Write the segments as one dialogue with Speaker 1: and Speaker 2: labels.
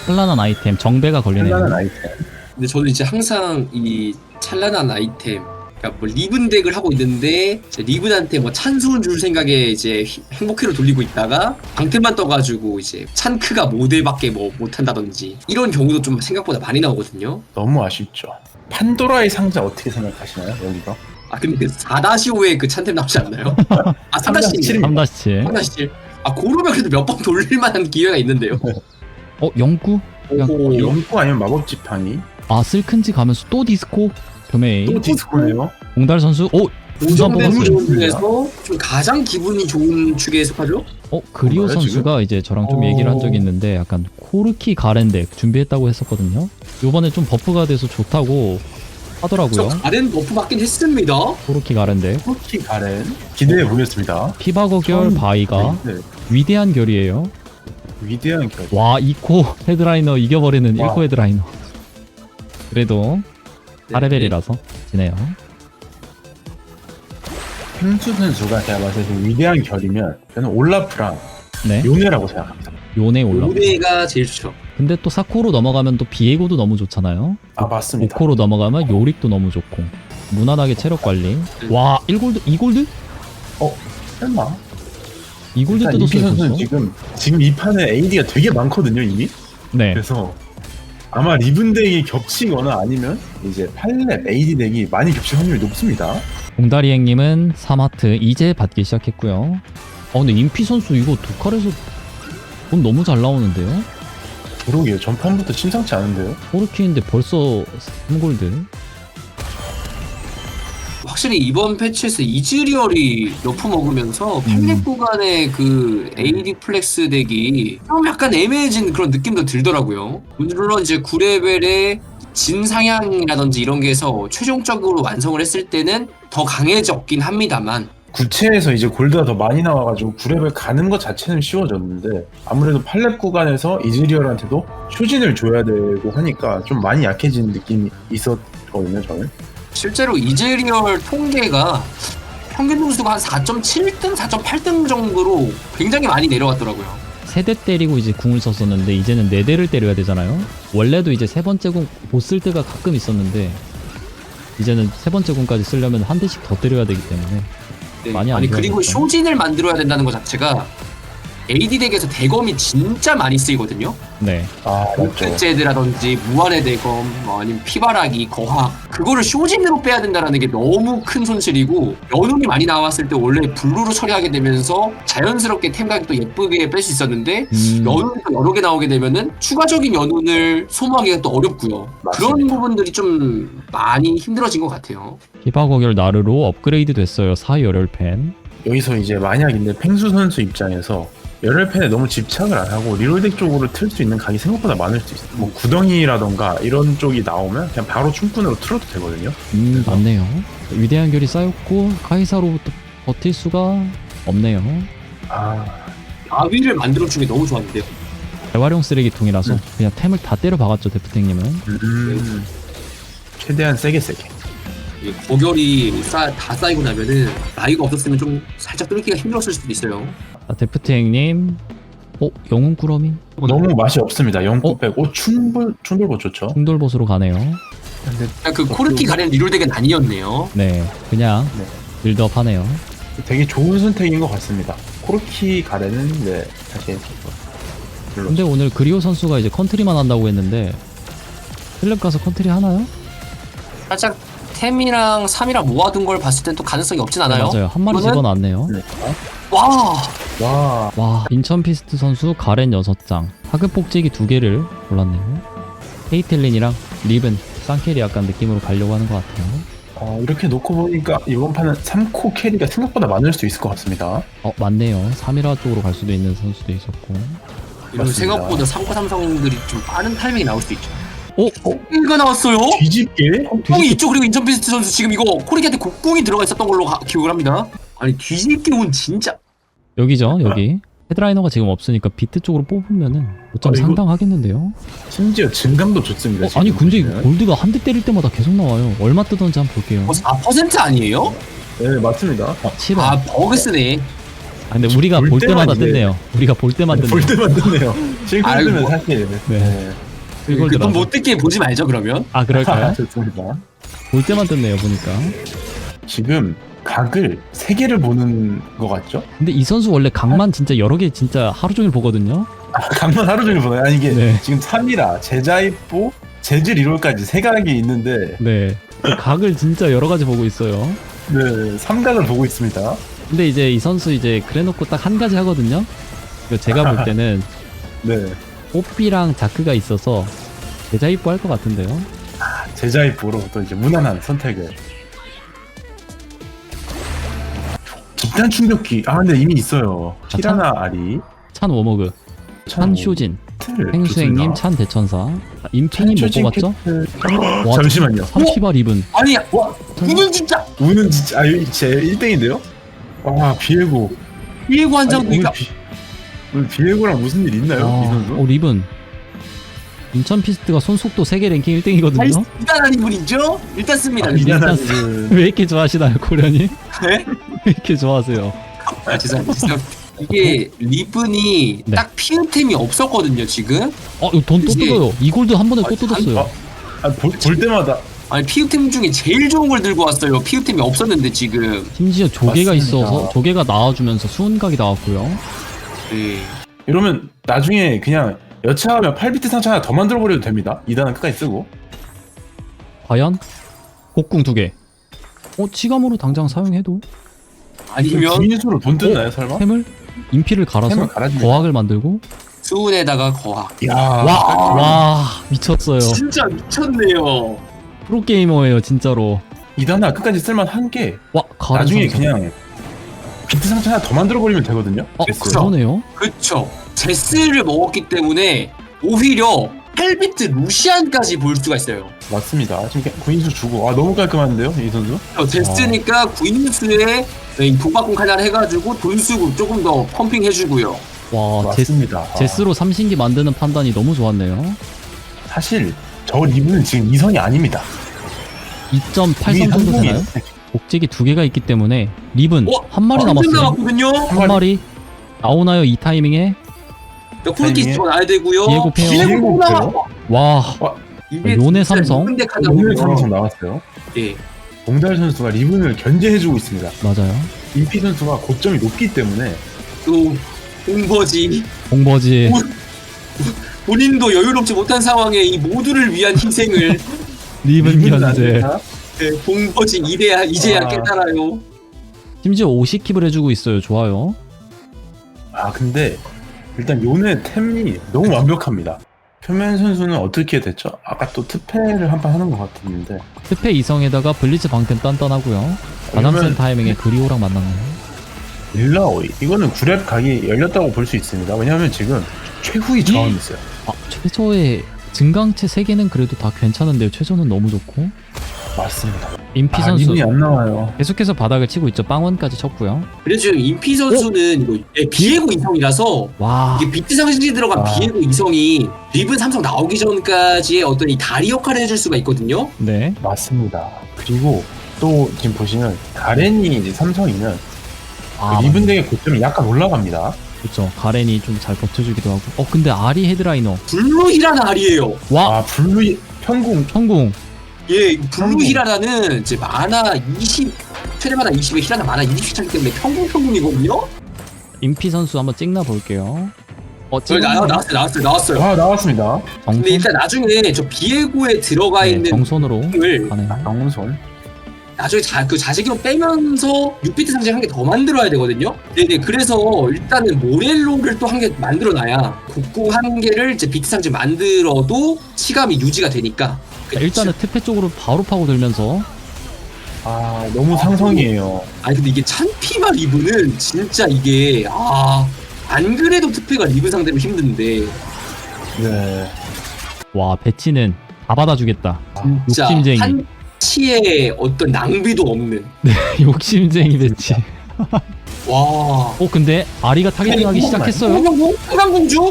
Speaker 1: 찬란한 아이템 정배가 걸리네요.
Speaker 2: 찬란한 아이템.
Speaker 3: 근데 저는 이제 항상 이 찬란한 아이템, 그러니까 뭐 리븐 덱을 하고 있는데 이제 리븐한테 뭐 찬수운 줄 생각에 이제 행복회로 돌리고 있다가 방템만 떠가지고 이제 찬크가 모델밖에 뭐 못한다든지 이런 경우도 좀 생각보다 많이 나오거든요.
Speaker 2: 너무 아쉽죠. 판도라의 상자 어떻게 생각하시나요, 여기가?
Speaker 3: 아 근데 그 4-5에 그 찬템 나오지 않나요? 아 3-7.
Speaker 1: 3-7.
Speaker 3: 3-7. 아 고르면 그래도 몇 번 돌릴 만한 기회가 있는데요.
Speaker 1: 영구?
Speaker 3: 오,
Speaker 2: 연구 아니면 마법 지팡이?
Speaker 1: 아 슬큰지 가면서 또 디스코? 교메이.
Speaker 2: 또 디스코네요.
Speaker 1: 공달 선수. 우선
Speaker 3: 오정대
Speaker 1: 뽑았어요.
Speaker 3: 분 중에서 좀 가장 기분이 좋은 축에 속하죠?
Speaker 1: 그리오
Speaker 2: 뭔가요,
Speaker 1: 선수가 이제 저랑 좀 얘기를 한 적이 있는데 약간 코르키 가렌덱 준비했다고 했었거든요. 요번에 좀 버프가 돼서 좋다고 하더라고요.
Speaker 3: 저 가렌 버프 받긴 했습니다.
Speaker 1: 코르키 가렌덱.
Speaker 2: 쿠키 가렌 기대해 보겠습니다.
Speaker 1: 피바거결 바이가
Speaker 2: 네,
Speaker 1: 위대한 결이에요.
Speaker 2: 위대한 결.
Speaker 1: 와 2코 헤드라이너 이겨버리는
Speaker 2: 와.
Speaker 1: 1코 헤드라이너. 그래도
Speaker 3: 네.
Speaker 1: 4레벨이라서 지네요.
Speaker 2: 펭수 선수가 제가 봤을 때 위대한 결이면 저는 올라프랑
Speaker 1: 네.
Speaker 2: 요네라고 생각합니다.
Speaker 1: 요네 올라.
Speaker 3: 요네가 제일 좋죠.
Speaker 1: 근데 또 4코로 넘어가면 또 비에고도 너무 좋잖아요.
Speaker 2: 아 맞습니다.
Speaker 1: 5코로 넘어가면 요릭도 너무 좋고 무난하게 체력 관리. 와 1골드? 2골드?
Speaker 2: 설마?
Speaker 1: 2골드
Speaker 2: 일단 이피
Speaker 1: 뜯었어요
Speaker 2: 선수는
Speaker 1: 벌써?
Speaker 2: 지금 이 판에 AD가 되게 많거든요 이미.
Speaker 1: 네.
Speaker 2: 그래서 아마 리븐 덱이 겹치거나 아니면 이제 8렙 AD 덱이 많이 겹칠 확률이 높습니다.
Speaker 1: 공다리행님은 3하트 이제 받기 시작했고요. 근데 임피 선수 이거 두 칼에서 돈 너무 잘 나오는데요?
Speaker 2: 그러게요. 전판부터 심상치 않은데요.
Speaker 1: 포르키인데 벌써 3골드.
Speaker 3: 확실히 이번 패치에서 이즈리얼이 너프 먹으면서 팬렉 구간의 그 AD 플렉스 덱이 좀 약간 애매해진 그런 느낌도 들더라고요. 물론 이제 9레벨의 진상향이라든지 이런 게 해서 최종적으로 완성을 했을 때는 더 강해졌긴 합니다만
Speaker 2: 구체에서 이제 골드가 더 많이 나와가지고 9렙을 가는 것 자체는 쉬워졌는데 아무래도 8렙 구간에서 이즈리얼한테도 쇼진을 줘야 되고 하니까 좀 많이 약해진 느낌이 있었거든요 저는.
Speaker 3: 실제로 이즈리얼 통계가 평균 점수가 한 4.7등, 4.8등 정도로 굉장히 많이 내려갔더라고요.
Speaker 1: 3대 때리고 이제 궁을 썼었는데 이제는 4대를 때려야 되잖아요. 원래도 이제 3번째 궁 못 쓸 때가 가끔 있었는데 이제는 3번째 궁까지 쓰려면 한 대씩 더 때려야 되기 때문에
Speaker 3: 네.
Speaker 1: 많이 안
Speaker 3: 아니 그리고
Speaker 1: 좋아졌죠.
Speaker 3: 쇼진을 만들어야 된다는 것 자체가 AD 덱에서 대검이 진짜 많이 쓰이거든요.
Speaker 1: 네.
Speaker 2: 아 맞죠.
Speaker 3: 흑제드라든지 무한의 대검, 뭐 아니면 피바라기, 거학 그거를 쇼진으로 빼야 된다는 게 너무 큰 손실이고 연운이 많이 나왔을 때 원래 블루로 처리하게 되면서 자연스럽게 템 가격도 예쁘게 뺄 수 있었는데 연운이 또 여러 개 나오게 되면은 추가적인 연운을 소모하기가 또 어렵고요. 그런
Speaker 2: 맞습니다.
Speaker 3: 부분들이 좀 많이 힘들어진 것 같아요.
Speaker 1: 히바거결 나르로 업그레이드 됐어요. 4열혈팬.
Speaker 2: 여기서 이제 만약인데 펭수 선수 입장에서 열혈팬에 너무 집착을 안 하고 리롤덱 쪽으로 틀 수 있는 각이 생각보다 많을 수 있어요. 뭐 구덩이라던가 이런 쪽이 나오면 그냥 바로 춤꾼으로 틀어도 되거든요.
Speaker 1: 맞네요. 위대한 결이 쌓였고 카이사로부터 버틸 수가 없네요.
Speaker 2: 아
Speaker 3: 아위를 만들어준 게 너무 좋았는데요.
Speaker 1: 재활용 쓰레기통이라서 그냥 템을 다 때려 박았죠 데프탱님은.
Speaker 2: 최대한 세게.
Speaker 3: 이 고결이 다 쌓이고 나면은 나이가 없었으면 좀 살짝 뚫기가 힘들었을 수도 있어요.
Speaker 1: 데프탱님. 영웅 꾸러미?
Speaker 2: 너무 맛이 없습니다. 영국 빼고 충돌보 좋죠.
Speaker 1: 충돌보스로 가네요.
Speaker 2: 근데
Speaker 3: 그냥 그 코르키 가렌 리롤덱은 아니었네요.
Speaker 1: 네, 그냥
Speaker 2: 네.
Speaker 1: 빌드업 하네요.
Speaker 2: 되게 좋은 선택인 것 같습니다. 코르키 가레는 네 사실 별로.
Speaker 1: 근데 오늘 그리오 선수가 이제 컨트리만 한다고 했는데 클럽 가서 컨트리 하나요?
Speaker 3: 살짝 템이랑 3이랑 모아둔 걸 봤을 땐 또 가능성이 없진 않아요.
Speaker 1: 맞아요. 한 마리
Speaker 3: 이거는-
Speaker 1: 집어놨네요.
Speaker 2: 네.
Speaker 3: 와,
Speaker 2: 와
Speaker 1: 와, 인천 피스트 선수 가렌 6장, 하급 복제기 2개를 골랐네요. 헤이텔린이랑 리븐, 쌍캐리 약간 느낌으로 가려고 하는 것 같아요.
Speaker 2: 이렇게 놓고 보니까 이번 판은 3코 캐리가 생각보다 많을 수 있을 것 같습니다.
Speaker 1: 맞네요. 3일화 쪽으로 갈 수도 있는 선수도 있었고.
Speaker 3: 이런
Speaker 2: 맞습니다.
Speaker 3: 생각보다 3코 삼성들이 좀 빠른 타이밍이 나올 수도 있죠.
Speaker 1: 오!
Speaker 3: 이거 나왔어요?
Speaker 2: 뒤집게?
Speaker 3: 곡궁이 있죠. 그리고 인천피스트 선수 지금 이거 코르키한테 곡궁이 들어가 있었던 걸로 기억을 합니다. 아니 뒤집기 운 진짜
Speaker 1: 여기죠, 여기. 헤드라이너가 지금 없으니까 비트 쪽으로 뽑으면은 어쩜
Speaker 2: 이거-
Speaker 1: 상당하겠는데요?
Speaker 2: 심지어 증감도 좋습니다.
Speaker 1: 아니
Speaker 2: 지금
Speaker 1: 근데
Speaker 2: 보시면.
Speaker 1: 골드가 한 대 때릴 때마다 계속 나와요. 얼마 뜨던지 한번 볼게요.
Speaker 3: 4% 아니에요?
Speaker 2: 네 맞습니다.
Speaker 1: 7원.
Speaker 3: 아 버그 쓰네.
Speaker 1: 아, 근데 우리가
Speaker 2: 볼
Speaker 1: 볼 때마다
Speaker 2: 때만 이제-
Speaker 1: 뜬네요. 우리가 볼 때만 뜬네요.
Speaker 2: 볼 때만 뜨네요. 실컷
Speaker 3: 아이고.
Speaker 2: 뜨면 사실.
Speaker 1: 네. 이걸
Speaker 3: 그돈
Speaker 1: 들어서.
Speaker 3: 못 듣게 보지 말죠 그러면.
Speaker 1: 아, 그럴까요?
Speaker 2: 좋습니다.
Speaker 1: 볼 때만 뜬네요, 보니까.
Speaker 2: 지금 각을 3개를 보는 것 같죠?
Speaker 1: 근데 이 선수 원래 각만 진짜 여러 개 진짜 하루 종일 보거든요.
Speaker 2: 각만 하루 종일 보나요? 아니 이게
Speaker 1: 네.
Speaker 2: 지금 3이라 제자입보, 재질 1호까지 3각이 있는데
Speaker 1: 네. 그 각을 진짜 여러 가지 보고 있어요.
Speaker 2: 네, 3각을 보고 있습니다.
Speaker 1: 근데 이제 이 선수 이제 그래놓고 딱 한 가지 하거든요. 이거 제가 볼 때는
Speaker 2: 네,
Speaker 1: 뽀삐랑 자크가 있어서 제자 입고 할 것 같은데요.
Speaker 2: 제자입보로 또 이제 무난한 선택을. 집단 충격기. 아 근데 이미 있어요.
Speaker 1: 자,
Speaker 2: 티라나 아리,
Speaker 1: 찬 워머그, 찬 쇼진,
Speaker 2: 틀,
Speaker 1: 행수행님,
Speaker 2: 좋습니다.
Speaker 1: 찬 대천사, 임핑님 못
Speaker 2: 쇼진
Speaker 1: 뽑았죠?
Speaker 2: 캐틀.
Speaker 1: 와,
Speaker 2: 잠시만요.
Speaker 1: 30화 리븐.
Speaker 3: 아니 와 이건 진짜
Speaker 2: 우는 진짜 제 1등인데요? 와 비에고.
Speaker 3: 비에고 한
Speaker 2: 아니,
Speaker 3: 장도
Speaker 2: 오늘 비에고랑 무슨 일 있나요? 이 선수?
Speaker 1: 리븐. 인천 피스트가 손속도 세계 랭킹 1등이거든요.
Speaker 3: 대단한 인물이죠. 일단 씁니다.
Speaker 2: 미안한
Speaker 1: 일단
Speaker 2: 분.
Speaker 1: 왜 이렇게 좋아하시나요, 고련이?
Speaker 3: 네?
Speaker 1: 왜 이렇게 좋아하세요?
Speaker 3: 아 죄송합니다. 이게 리븐이
Speaker 1: 네.
Speaker 3: 딱 피우템이 없었거든요 지금.
Speaker 1: 이거 돈 또
Speaker 3: 이게-
Speaker 1: 뜯어요. 이 골드 한 번에 또 뜯었어요.
Speaker 2: 볼 때마다
Speaker 3: 아니 피우템 중에 제일 좋은 걸 들고 왔어요. 피우템이 없었는데 지금.
Speaker 1: 심지어 조개가
Speaker 2: 맞습니다.
Speaker 1: 있어서 조개가 나와주면서 수은각이 나왔고요.
Speaker 3: 네.
Speaker 2: 이러면 나중에 그냥 여차하면 8비트 상처 하나 더 만들어버려도 됩니다. 2단은 끝까지 쓰고.
Speaker 1: 과연 곡궁 2개. 치감으로 당장 사용해도
Speaker 3: 아니면
Speaker 2: 기인수로 돈 뜯나요 설마?
Speaker 1: 템을 인피를 갈아서
Speaker 2: 템을 갈아주면-
Speaker 1: 거학을 만들고
Speaker 3: 수운에다가 거학.
Speaker 2: 야,
Speaker 1: 와 미쳤어요.
Speaker 3: 진짜 미쳤네요.
Speaker 1: 프로게이머예요 진짜로.
Speaker 2: 2단은 끝까지 쓸만한 게
Speaker 1: 와 가른
Speaker 2: 나중에
Speaker 1: 선수.
Speaker 2: 그냥 비트 상처 하나 더 만들어버리면 되거든요.
Speaker 3: 그쵸.
Speaker 1: 그러네요.
Speaker 3: 그쵸. 제스를 먹었기 때문에 오히려 8비트 루시안까지 볼 수가 있어요.
Speaker 2: 맞습니다. 지금 구인수 주고 너무 깔끔한데요 이 선수?
Speaker 3: 제스니까 구인수에 독박공 하나 해가지고 돈 쓰고 조금 더 펌핑 해주고요.
Speaker 1: 와
Speaker 2: 맞습니다.
Speaker 1: 제스로 삼신기 만드는 판단이 너무 좋았네요.
Speaker 2: 사실 저 리브는 지금 2선이 아닙니다.
Speaker 1: 2.8선 정도 되나요? 복제기 2개가 있기 때문에 리븐 한 마리 남았어요.
Speaker 3: 남았거든요.
Speaker 1: 한 마리 나오나요 이 타이밍에?
Speaker 3: 콜키스 더 나야 되고요.
Speaker 1: 비에고 페어.
Speaker 3: 비에고 나와.
Speaker 1: 와
Speaker 3: 이게
Speaker 1: 요네
Speaker 3: 진짜
Speaker 1: 삼성.
Speaker 3: 리븐 덱 하나
Speaker 2: 오늘
Speaker 3: 보면,
Speaker 2: 삼성 나왔어요.
Speaker 3: 예.
Speaker 2: 봉달 선수가 리븐을 견제해주고 있습니다.
Speaker 1: 맞아요.
Speaker 2: 인피 선수가 고점이 높기 때문에
Speaker 3: 또 공버지
Speaker 1: 공버지
Speaker 3: 본인도 여유롭지 못한 상황에 이 모두를 위한 희생을
Speaker 1: 리븐
Speaker 2: 리븐은 안
Speaker 1: 견제.
Speaker 2: 된다.
Speaker 3: 공버지 이제야
Speaker 2: 아.
Speaker 3: 깨달아요.
Speaker 1: 심지어 50킵을 해주고 있어요. 좋아요.
Speaker 2: 근데 일단 요네 템이 너무 완벽합니다. 표면 선수는 어떻게 됐죠? 아까 또 특패를 한 번 하는 것 같았는데
Speaker 1: 스페 이성에다가 블리츠 방템 단단하고요. 가담센
Speaker 2: 그러면
Speaker 1: 타이밍에 그리오랑 만났네요.
Speaker 2: 일라오이 이거는 9렙 각이 열렸다고 볼 수 있습니다. 왜냐하면 지금 최후의 저항이 있어요.
Speaker 1: 최저의 증강체 3개는 그래도 다 괜찮은데요. 최저는 너무 좋고.
Speaker 2: 맞습니다.
Speaker 1: 인피 선수
Speaker 2: 리븐이 안 나와요.
Speaker 1: 계속해서 바닥을 치고 있죠. 빵원까지 쳤고요.
Speaker 3: 그래서 지금 인피 선수는 이거 비에고 이성이라서
Speaker 1: 와
Speaker 3: 이게 비트 상식이 들어간 비에고 이성이 리븐 삼성 나오기 전까지의 어떤 이 다리 역할을 해줄 수가 있거든요.
Speaker 1: 네.
Speaker 2: 맞습니다. 그리고 또 지금 보시면 가렌이 이제 삼성이면
Speaker 1: 아
Speaker 2: 그 리븐 덱의 고점이 약간 올라갑니다.
Speaker 1: 그렇죠. 가렌이 좀 잘 버텨주기도 하고. 근데 아리 헤드라이너.
Speaker 3: 블루 히라나 알이에요.
Speaker 1: 와
Speaker 2: 블루 현궁
Speaker 1: 성공.
Speaker 3: 예, 블루 히라나는 이제 만화 20 최대 만화 20에 히라나 만화 20씩 차기 때문에 평균이거든요.
Speaker 1: 인피 선수 한번 찍나 볼게요.
Speaker 3: 저기 나왔어요.
Speaker 2: 나왔습니다.
Speaker 3: 근데 일단 나중에 저 비에고에 들어가 있는
Speaker 1: 정손으로
Speaker 3: 을
Speaker 1: 가네.
Speaker 2: 정손.
Speaker 3: 나중에 그 자식으로 빼면서 6비트 상징 한 개 더 만들어야 되거든요. 네네. 그래서 일단은 모렐로를 또 한 개 만들어놔야 곡궁 한 개를 이제 비트 상징 만들어도 치감이 유지가 되니까.
Speaker 1: 일단은 특패 쪽으로 바로 파고들면서
Speaker 2: 너무 상성이에요.
Speaker 3: 아니 근데 이게 찬피마 리브는 진짜 이게 안 그래도 특패가 리브 상대로 힘든데
Speaker 2: 네.
Speaker 1: 와 배치는 다 받아주겠다.
Speaker 3: 진짜
Speaker 1: 욕심쟁이.
Speaker 3: 한치의 어떤 낭비도 없는.
Speaker 1: 욕심쟁이 배치.
Speaker 3: 와.
Speaker 1: 근데 아리가 타겟팅하기 시작했어요.
Speaker 3: 평강공주?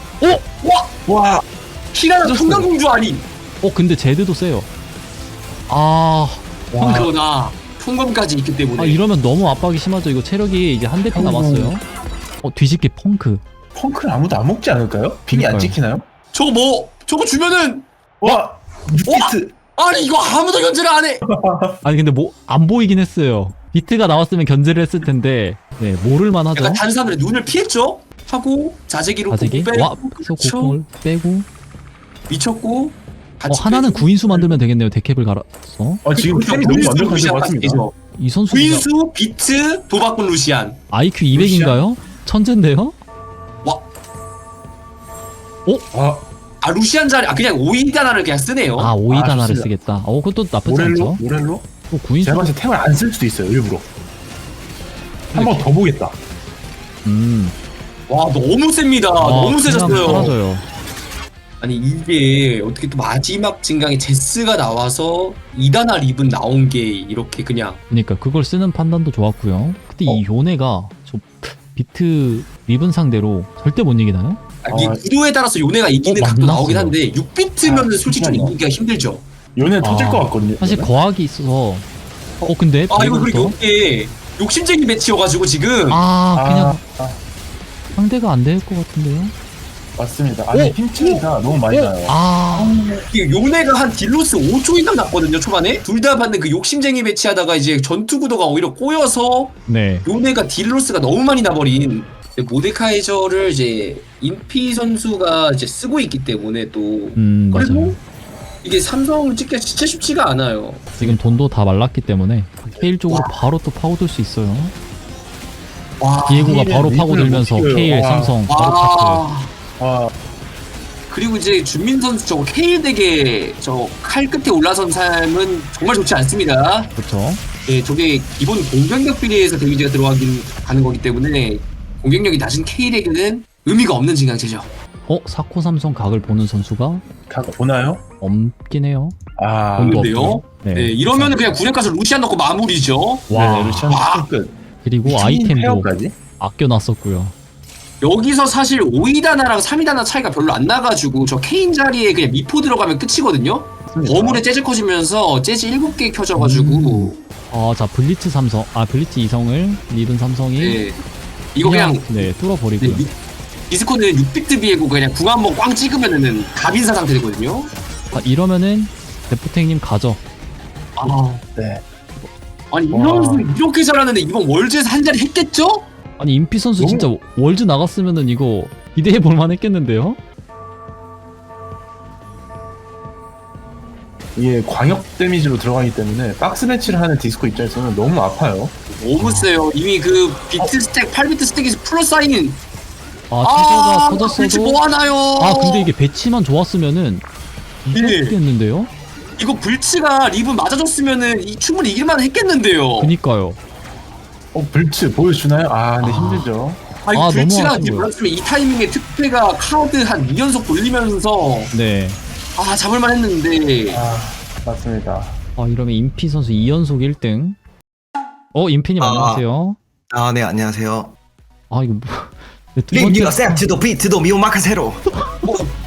Speaker 2: 와.
Speaker 3: 히라나 평강공주 아니?
Speaker 1: 근데 제드도 세요.
Speaker 2: 와.
Speaker 3: 그러나 성검까지 있기 때문에.
Speaker 1: 아 이러면 너무 압박이 심하죠. 이거 체력이 이제 한 대피 남았어요. 뒤집기 펑크.
Speaker 2: 펑크는 아무도 안 먹지 않을까요? 픽이 안
Speaker 1: 그러니까요.
Speaker 2: 찍히나요?
Speaker 3: 저거 주면은
Speaker 2: 와! 6비트!
Speaker 3: 아니 이거 아무도 견제를 안 해.
Speaker 1: 아니 근데 뭐 안 보이긴 했어요. 비트가 나왔으면 견제를 했을 텐데 네 모를만 하죠.
Speaker 3: 약간 단순하게 눈을 피했죠. 하고 자재기로
Speaker 1: 자세기
Speaker 3: 빼고
Speaker 1: 와 그래서 고통을 빼고
Speaker 3: 미쳤고. 같이
Speaker 1: 하나는
Speaker 3: 빼주고.
Speaker 1: 구인수 만들면 되겠네요. 데캡을 갈아서
Speaker 2: 지금 템이 너무
Speaker 3: 구인수,
Speaker 2: 완벽한 것
Speaker 3: 루시안
Speaker 2: 같습니다.
Speaker 3: 같겠죠.
Speaker 1: 이 선수
Speaker 3: 구인수, 비트, 도박꾼 루시안.
Speaker 1: IQ 200인가요? 천재인데요?
Speaker 2: 아,
Speaker 3: 루시안 자리 그냥 5인 단화를 그냥 쓰네요.
Speaker 1: 아 오이다나를
Speaker 2: 좋습니다.
Speaker 1: 쓰겠다. 그것도 나쁘지
Speaker 2: 모렐로?
Speaker 1: 않죠.
Speaker 2: 모렐로?
Speaker 1: 또 구인수
Speaker 2: 제가 봤을 때 템을 안 쓸 수도 있어요, 일부러. 한 번 더 보겠다.
Speaker 3: 와 너무 셉니다. 너무
Speaker 1: 그냥
Speaker 3: 세졌어요.
Speaker 1: 사라져요.
Speaker 3: 아니 이게 어떻게 또 마지막 진강에 제스가 나와서 2단화 립은 나온 게 이렇게 그냥
Speaker 1: 그러니까 그걸 쓰는 판단도 좋았고요. 근데 이 요네가 저 비트 리븐 상대로 절대 못 이기나요?
Speaker 3: 이게 구도에 따라서 요네가 이기는 각도
Speaker 1: 만났어요.
Speaker 3: 나오긴 한데 6비트면 솔직히 좀
Speaker 2: 잠깐만요.
Speaker 3: 이기기가 힘들죠.
Speaker 2: 요네 터질
Speaker 1: 아,
Speaker 2: 것 같거든요.
Speaker 1: 사실
Speaker 2: 이거는.
Speaker 1: 거학이 있어서 근데
Speaker 3: 이거 그리고
Speaker 1: 비해부터
Speaker 3: 이게 욕심쟁이 매치여가지고 지금
Speaker 1: 그냥
Speaker 2: 아,
Speaker 1: 상대가 안 될 것 같은데요?
Speaker 2: 맞습니다. 아니, 핀치가 너무 많이 나요.
Speaker 3: 이게 요네가 한 딜로스 5초 이상 났거든요 초반에. 둘 다 받는 그 욕심쟁이 매치하다가 이제 전투 구도가 오히려 꼬여서
Speaker 1: 네.
Speaker 3: 요네가 딜로스가 너무 많이 나버린. 모데카이저를 이제 인피 선수가 이제 쓰고 있기 때문에 또 그리고
Speaker 1: 맞아요.
Speaker 3: 이게 삼성을 찍기가 진짜 쉽지가 않아요.
Speaker 1: 지금 돈도 다 말랐기 때문에 케일 쪽으로 바로 또 파고들 수 있어요.
Speaker 3: 와,
Speaker 1: 디에고가
Speaker 2: 케일은
Speaker 1: 바로
Speaker 2: 립을
Speaker 1: 파고들면서
Speaker 2: 못 이겨요.
Speaker 1: 케일,
Speaker 2: 와.
Speaker 1: 삼성 바로 차트.
Speaker 2: 와,
Speaker 3: 그리고 이제 준민 선수 저거 케일 덱에 저 칼 끝에 올라선 삶은 정말 좋지 않습니다.
Speaker 1: 그렇죠.
Speaker 3: 예, 저게 기본 공격력 비례해서 데미지가 들어가긴 가는 거기 때문에 공격력이 낮은 케일에게는 의미가 없는 진강체죠.
Speaker 1: 사코 삼성 각을 보는 선수가
Speaker 2: 각 보나요?
Speaker 1: 없긴 해요.
Speaker 2: 아,
Speaker 1: 돈도
Speaker 3: 근데요?
Speaker 1: 없고.
Speaker 3: 네,
Speaker 1: 네.
Speaker 3: 이러면은 그냥 구력 가서 루시안 넣고 마무리죠.
Speaker 1: 와.
Speaker 2: 네, 루시안 끝.
Speaker 1: 그리고
Speaker 2: 미친
Speaker 1: 아이템도
Speaker 2: 페어까지?
Speaker 1: 아껴놨었고요.
Speaker 3: 여기서 사실 5위다나랑 3위다나 차이가 별로 안 나가지고 저 케인 자리에 그냥 미포 들어가면 끝이거든요. 거물에 재즈 커지면서 재즈 7개 켜져가지고
Speaker 1: 자 블리츠 삼성, 블리츠 이성을 리븐 삼성이
Speaker 3: 네, 이거 그냥
Speaker 1: 네 뚫어버리고요.
Speaker 3: 디스코는 6비트 비에고 그냥 궁 한번 꽝 찍으면은 갑인사 상태 되거든요.
Speaker 1: 이러면은 데프탱님 가죠.
Speaker 2: 네.
Speaker 3: 아니 이
Speaker 2: 와.
Speaker 3: 선수 이렇게 잘하는데 이번 월즈에서 한 자리 했겠죠?
Speaker 1: 아니 인피 선수
Speaker 2: 너무-
Speaker 1: 진짜 월즈 나갔으면은 이거 기대해 볼만 했겠는데요?
Speaker 2: 이게 광역 데미지로 들어가기 때문에 박스 매치를 하는 디스코 입장에서는 너무 아파요.
Speaker 3: 너무 세요. 이미 그 비트 스택 8비트 스택에서 플러스 사인인
Speaker 1: 체제가
Speaker 3: 그렇지
Speaker 1: 터졌어도
Speaker 3: 뭐 하나요?
Speaker 1: 근데 이게 배치만 좋았으면은
Speaker 3: 네.
Speaker 1: 이겼겠는데요?
Speaker 3: 이거 불치가 리브 맞아줬으면은 충분히 이길만 했겠는데요.
Speaker 1: 그니까요.
Speaker 2: 불츠 보여주나요? 근데 힘들죠.
Speaker 3: 이거
Speaker 1: 너무
Speaker 3: 불치가
Speaker 1: 아쉬워요.
Speaker 3: 몰랐으면 이 타이밍에 특패가 카드 한 2연속 돌리면서
Speaker 1: 네.
Speaker 3: 잡을만 했는데
Speaker 2: 맞습니다.
Speaker 1: 이러면 인피 선수 2연속 1등. 인피님 안녕하세요.
Speaker 4: 네, 안녕하세요.
Speaker 1: 이거 두
Speaker 4: 링
Speaker 1: 번째
Speaker 4: 유어 셉트도 비트도 미오마카세로.